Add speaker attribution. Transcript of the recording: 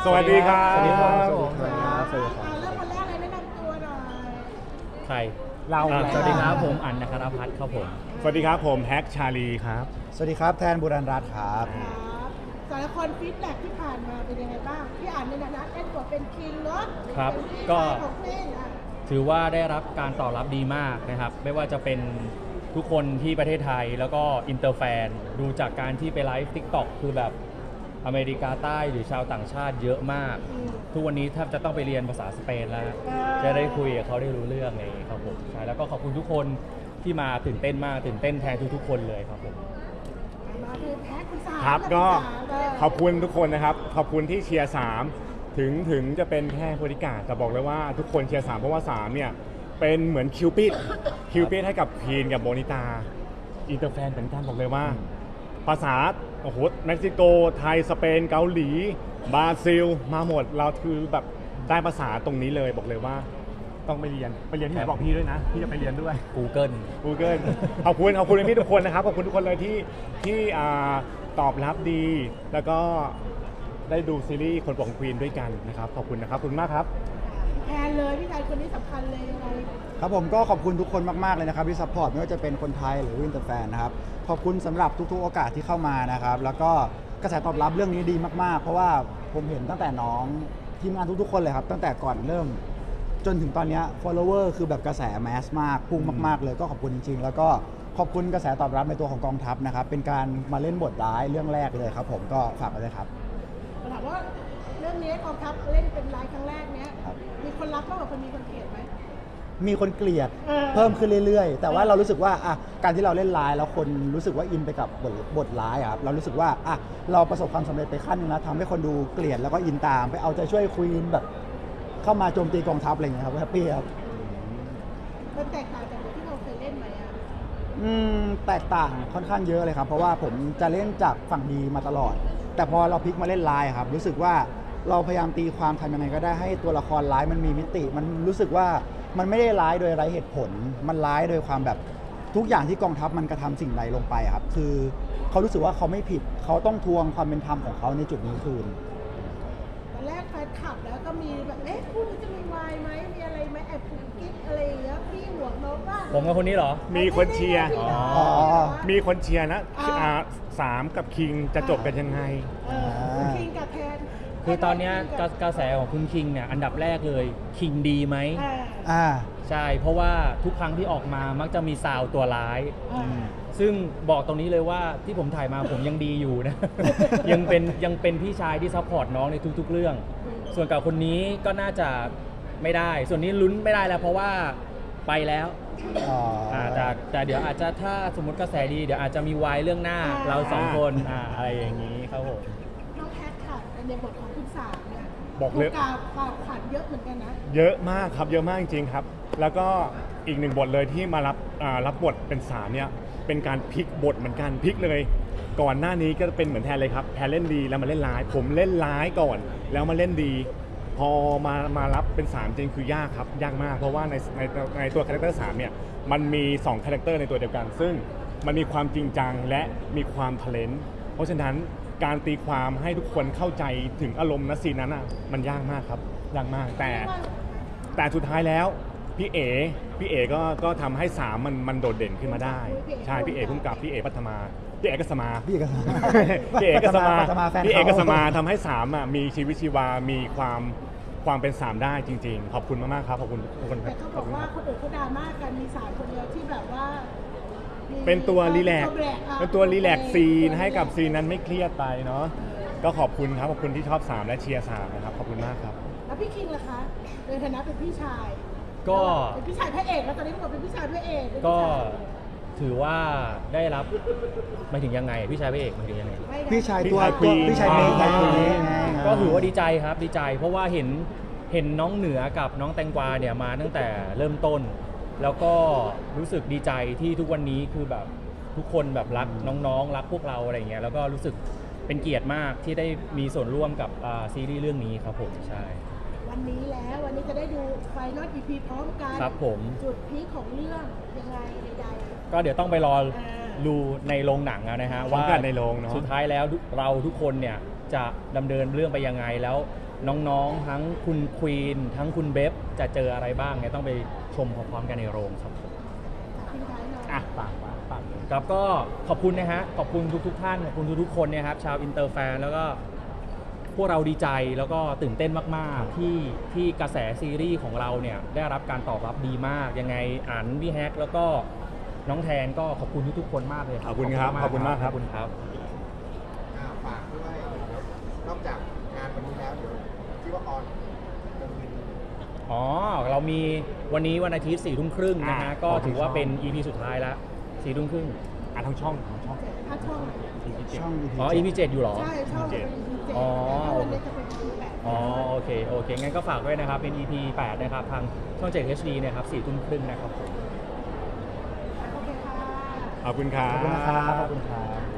Speaker 1: สวัสดีครับ
Speaker 2: สวัสดีครับ
Speaker 1: สวัสดีครับ
Speaker 2: เริ่มวันแรกเลยแนะนำตัวหน่อย
Speaker 3: ใคร
Speaker 1: เรา
Speaker 3: สวัสดีครับผมอันนครพัฒน์ครับผม
Speaker 1: สวัสดีครับผมแฮกชาลีครับ
Speaker 4: สวัสดีครับแทนบุรันรัตน์ครับ
Speaker 2: ครับแต่ละคนฟีดแบ็กที่ผ่านมาเป็นยังไงบ้างพี่อ่านในฐานะเล่นบทเป็นคิงเนาะ
Speaker 3: ครับ
Speaker 2: เป็นพี่
Speaker 3: ก็
Speaker 2: ชายของเล่นอ่ะ
Speaker 3: ถือว่าได้รับการตอบรับดีมากนะครับ ไม่ว่าจะเป็นทุกคนที่ประเทศไทยแล้วก็อินเตอร์แฟนดูจากการที่ไปไลฟ์ TikTok คือแบบอเมริกาใต้หรือชาวต่างชาติเยอะมาก ทุกวันนี้แทบจะต้องไปเรียนภาษาสเปนแล้ว จะได้คุยกับเขาได้รู้เรื่องไงครับผมใช่แล้วก็ขอบคุณทุกคนที่มาตื่นเต้นมากตื่นเต้นแทนทุกๆคนเลยครับผม
Speaker 2: มาคือแพ้คุณสาม
Speaker 1: ครับก็
Speaker 2: คุณสาม
Speaker 1: ขอบคุณทุกคนนะครับ ขอบคุณที่เชียร์3ถึงจะเป็นแค่บริการแต่บอกเลยว่าทุกคนเชียร์3เพราะว่า3เนี่ยเป็นเหมือนคิวปิดให้กับพีนกับโบนิตาอินเตอร์แฟนเหมือนกันบอกเลยว่า ภาษาโอ้โหเม็กซิโกไทยสเปนเกาหลีบราซิลมาหมดเราคือแบบได้ภาษาตรงนี้เลยบอกเลยว่า ต้องไปเรียนที่ไหนบอกพี่ด้วยนะพี่จะไปเรียนด้วย
Speaker 3: Google
Speaker 1: Google ขอบคุณพี่ทุกคนนะครับขอบคุณทุกคนเลยที่ตอบรับดี แล้วก็ได้ดูซีรีส์คนของควีนด้วยกันนะครับขอบคุณนะครับขอบคุณมากครับ
Speaker 2: แทนเลยพี่ชายคนนี้สำคัญเลยยังไง
Speaker 4: ครับผมก็ขอบคุณทุกคนมากๆเลยนะครับที่ซัพพอร์ตไม่ว่าจะเป็นคนไทยหรือวินเตอร์แฟนนะครับขอบคุณสำหรับทุกๆโอกาสที่เข้ามานะครับแล้วก็กระแสตอบรับเรื่องนี้ดีมากๆ เพราะว่าผมเห็นตั้งแต่น้องทีมงานทุกๆคนเลยครับตั้งแต่ก่อนเริ่ม จนถึงตอนนี้ follower คือแบบกระแสแมสมากพุ่งมากๆเลยก็ขอบคุณจริงๆ แล้วก็ขอบคุณกระแสตอบรับในตัวของกองทัพนะครับเป็นการมาเล่นบทร้ายเรื่องแรกเลยครับผมก็ฝากไว้เลยครับ
Speaker 2: ถามว่าเรื่องนี้กองทัพเล่นเป็นรายครั้งแรกเนี้ย
Speaker 4: ครับ
Speaker 2: มีคนรักมากกว่าคนมีคนเกลียดไหม
Speaker 4: มีคนเกลียด
Speaker 2: เออ
Speaker 4: เพิ่มขึ้นเรื่อยๆ แต่ว่าเรารู้สึกว่าอ่ะการที่เราเล่นร้ายแล้วคนรู้สึกว่าอินไปกับบทร้ายอะครับเรารู้สึกว่าอ่ะเราประสบความสำเร็จไปขั้นหนึงแล้วทำให้คนดูเกลียดแล้วก็อินตามไปเอาใจช่วยควีนแบบเข้ามาโจมตีกองทัพอะไรอย่างเงี้ยครับแฮปปี้ครับ
Speaker 2: มันแตกต่างจากบทที่เราเคยเล่นไหมอ่ะ
Speaker 4: แตกต่างค่อนข้างเยอะเลยครับเพราะว่าผมจะเล่นจากฝั่งดีมาตลอด แต่พอเราพลิกมาเล่นร้ายอะครับรู้สึกว่าเราพยายามตีความทำยังไงก็ได้ให้ตัวละครร้ายมันมีมิติ มันรู้สึกว่ามันไม่ได้ร้ายโดยไร้เหตุผล มันร้ายโดยความแบบทุกอย่างที่กองทัพมันกระทำสิ่งใดลงไปอะครับคือเขารู้สึกว่าเขาไม่ผิดเขาต้องทวงความเป็นธรรมของเขาในจุดนี้คืน
Speaker 2: ตอนแรกแฟนคลับแล้วก็มีแบบเอ๊ะคู่นี้จะมีวายไหมมีอะไรไหมแอบกุ๊กกิ๊กอะไรอย่างเงี้ยพี่ห่วงน้องว่า
Speaker 3: ผมกับคนนี้เหรอ
Speaker 1: มีคนเชียร์
Speaker 4: อ๋อ
Speaker 1: มีคนเชียร์นะสามกับคิงจะจบกันยังไง
Speaker 2: เออคิงกับแทน
Speaker 3: คือตอนเนี้ยกระแสของคุณคิงเนี่ยอันดับแรกเลยคิงดีไหม
Speaker 2: อ่า
Speaker 4: อ่า
Speaker 3: ใช่ เพราะว่าทุกครั้งที่ออกมามักจะมีซาวตัวร้าย
Speaker 2: อ่า
Speaker 3: ซึ่งบอกตรงนี้เลยว่าที่ผมถ่ายมาผมยังดีอยู่นะ ยังเป็นพี่ชายที่ซัพพอร์ตน้องในทุกๆเรื่อง ส่วนกับคนนี้ก็น่าจะไม่ได้ ส่วนนี้ลุ้นไม่ได้แล้วเพราะว่าไปแล้ว
Speaker 4: อ๋ออ่
Speaker 3: แต่เดี๋ยวอาจจะถ้าสมมติกระแสดีเดี๋ยวอาจจะมีวายเรื่องหน้าเราสองคนอะไรอย่างนี้ครับผม
Speaker 2: น้องแพทค่ะในบทของคุณสามเนี่ย
Speaker 1: บอกเลย
Speaker 2: ถูกกล่าวขวัญเยอะเหมือนกันนะ
Speaker 1: เยอะมากครับเยอะมากจริงๆครับ แล้วก็อีกหนึ่งบทเลยที่มารับบทเป็นสามเนี่ยเป็นการพลิกบทเหมือนกันพลิกเลย ก่อนหน้านี้ก็เป็นเหมือนแทนเลยครับแทนเล่นดีแล้วมาเล่นร้าย ผมเล่นร้ายก่อน แล้วมาเล่นดี พอมารับเป็น3จริงคือยากครับยากมากเพราะว่าในตัวคาแรคเตอร์3เนี่ยมันมี2คาแรคเตอร์ในตัวเดียวกัน ซึ่งมันมีความจริงจังและมีความทะเลนเพราะฉะนั้นการตีความให้ทุกคนเข้าใจถึงอารมณ์นะซีนนั้นอ่ะมันยากมากครับยากมากแต่สุดท้ายแล้วพี่เอ๋ก็ทำให้3มันโดดเด่นขึ้นมาได้ใช่พี่เอ๋พุ่มกับพี่เอ๋ปัทมาพี่เอกสมา
Speaker 4: พี่เอกสมา
Speaker 1: พี่เอกสมา
Speaker 4: ปัทมาแฟนเขา
Speaker 1: พี่เอกสมาทำให้3อ่ะมีชีวิตชีวา มีความเป็น3ได้จริงๆ ขอบคุณมากๆครับขอบคุณทุกคนค
Speaker 2: แต่
Speaker 1: รับ
Speaker 2: เขา
Speaker 1: ข
Speaker 2: บ
Speaker 1: อ
Speaker 2: อบ ก
Speaker 1: คุณ
Speaker 2: ว่า
Speaker 1: ครับ
Speaker 2: คนอื่นเขาดราม่ากันมีสามคนเดียวที่แบบว่ามี
Speaker 1: เป็นตัวรีแลกซ์
Speaker 2: อ่ะ
Speaker 1: เป็นตัวรีแลกซ์ซีนให้กับซีนนั้นไม่เครียดไปเนาะก็ขอบคุณครับขอบคุณที่ชอบ3และเชียร์3นะครับขอบคุณมากครับ
Speaker 2: แล้วพี่คิงล่ะคะในฐานะเป็นพี่ชาย
Speaker 3: ก็
Speaker 2: เป็นพี่ชายพระเอกแล้วตอนนี้บอกเป็นพี่ชายพระเอกเป็นพี่
Speaker 3: ก็
Speaker 2: ชาย
Speaker 3: ถือว่าได้รับหมายถึงยังไงพี่ชายพระเอกหมายถึงยังไง
Speaker 2: ไม่นะ
Speaker 4: พี่ชายตัว
Speaker 1: พี่ชาย
Speaker 4: พี่ชายเมย์
Speaker 3: อ๋อ
Speaker 4: ไงไง
Speaker 3: ก็ถือว่าดีใจครับดีใจ เพราะว่าเห็นน้องเหนือกับน้องแตงกวาเนี่ยมาตั้งแต่เริ่มต้น แล้วก็รู้สึกดีใจที่ทุกวันนี้คือแบบทุกคนแบบรักน้องๆรักพวกเราอะไรเงี้ยแล้วก็รู้สึกเป็นเกียรติมากที่ได้มีส่วนร่วมกับซีรีส์เรื่องนี้ครับผมใช่
Speaker 2: วันนี้แล้ววันนี้จะได้ดูไฟนอล EP พร้อมกัน
Speaker 3: ครับผม
Speaker 2: จุดพีคของเรื่องยังไงใด
Speaker 3: ก็เดี๋ยวต้องไปรอ
Speaker 2: อ่า
Speaker 3: ดูในโรงหนังอะนะฮะ
Speaker 1: พร้อม
Speaker 3: ว่า
Speaker 1: กันในโรงเนอะ
Speaker 3: สุดท้ายแล้วเราทุกคนเนี่ยจะดำเนินเรื่องไปยังไงแล้วน้องๆทั้งคุณควีนทั้งคุณเบฟจะเจออะไรบ้างเนี่ยต้องไปชมพร้อมๆกันในโรงครับ
Speaker 2: ทิ้งท้ายหน่อย
Speaker 1: อ่ะฝากเลย
Speaker 3: ครับก็ขอบคุณนะฮะขอบคุณทุกท่านขอบคุณทุกๆคนเนี่ยครับชาวอินเตอร์แฟนแล้วก็พวกเราดีใจแล้วก็ตื่นเต้นมากๆที่กระแสซีรีส์ของเราเนี่ยได้รับการตอบรับดีมากยังไงอ่านพี่แฮกแล้วก็น้องแทนก็ขอบคุณทุกๆคนมากเลย
Speaker 1: ขอบคุณครับขอบคุณมากครับ
Speaker 3: ขอบคุณครับ
Speaker 5: ฝากด้วยนอกจากงานวันนี้แล้วเดี๋ยวที่ว่าออนจะมี
Speaker 3: อ๋อ เรามีวันนี้วันอาทิตย์4 ทุ่มครึ่งนะฮะ ก็ถือว่าเป็น EP สุดท้ายแล้ว4 ทุ่มครึ่ง
Speaker 1: ทั้งช่อง
Speaker 2: ถ้าช่อง
Speaker 4: ช่อง EP
Speaker 3: อ๋อ EP 7อยู่เหรอ
Speaker 2: ใช่ช่องเป็น EP 7
Speaker 3: อ๋อ
Speaker 2: แต่วันนี้จะเป็น EP 8
Speaker 3: อ๋อ โอเค งั้นก็ฝากด้วยนะครับ เป็น EP 8 นะครับ ทางช่อง 7 HD นะครับ4 ทุ่มครึ่งนะครับผม
Speaker 2: โอเคค่ะ
Speaker 1: ขอบคุณครับ
Speaker 4: ขอบคุณนะครับขอบคุณครับ